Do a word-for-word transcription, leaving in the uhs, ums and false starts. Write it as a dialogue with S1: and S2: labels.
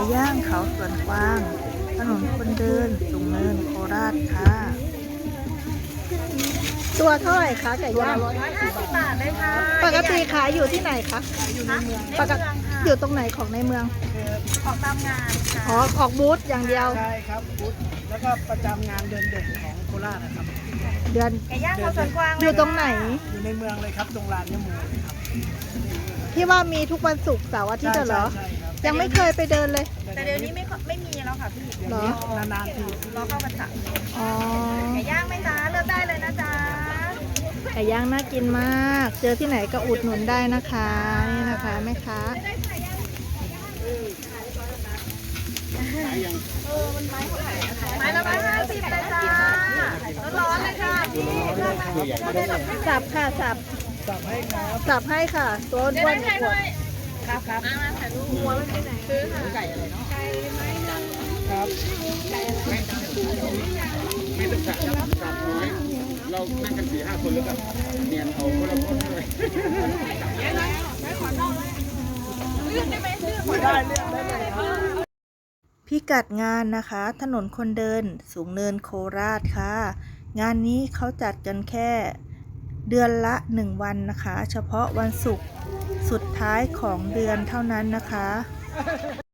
S1: ย่างเขาสวนกวางถนนคนเดินสูงเนินโคราชค่ะตัวเท่าไหร่คะไก่ย่าง
S2: ร้อยห้าสิบบาทเลยค่ะ
S1: ปกติขายอยู่ที่ไหนคะ
S2: อยู่ในเมือง
S1: ปกติอยู่ตรงไหนของในเมือง
S2: ออกตามงานค่ะ
S1: อ๋อออกบูธอย่างเดียว
S3: ใช่ครับบูธแล้วก็ประจำงานเดือนเด่นของโคราชนะครับ
S1: เดือน
S2: ไก่ย่างเขาสวนกวาง
S1: อยู่ตรงไหน
S3: อยู่ในเมืองเลยครับตรงลานยมูเลยครับ
S1: ที่ว่ามีทุกวันศุกร์เสาร์อาทิตย์เหรอยังไม่เคยไปเดินเลย
S2: แต่เดี๋ยวนี้ไม่ไม่มีแล้วค่ะพี่
S1: เหร
S3: อนานๆที
S2: รอเข้าพรรษา
S1: อ๋อ
S2: ไก่ย่างไหมจ๊ะเลือกได้เลยนะจ๊ะ
S1: ไก่ย่างน่ากินมากเจอที่ไหนก็อุดหนุนได้นะคะนี่นะคะแม่ค้า
S2: ไม้ละร้อยห้าสิบเลยจ้าร้อนๆเลยค่ะพี่
S1: สับค่ะสับ
S3: สับให้ครับ
S1: สับให้ค่ะตัวอ้วนๆขวด
S2: ครับครับมาถ่ายรูปหัวมันไปไหนซื้อค่ะไก่อะไรเนาะไก่ไม้ดำ
S3: ครับ
S4: ไม่ต้องสับสับน้อยเรานั่งกันสี่ห้าคนแล้วก็เนียนเอาคนละคนเลย
S1: พิกัดงานนะคะถนนคนเดินสูงเนินโคราชค่ะงานนี้เขาจัดกันแค่เดือนละหนึ่งวันนะคะเฉพาะวันศุกร์สุดท้ายของเดือนเท่านั้นนะคะ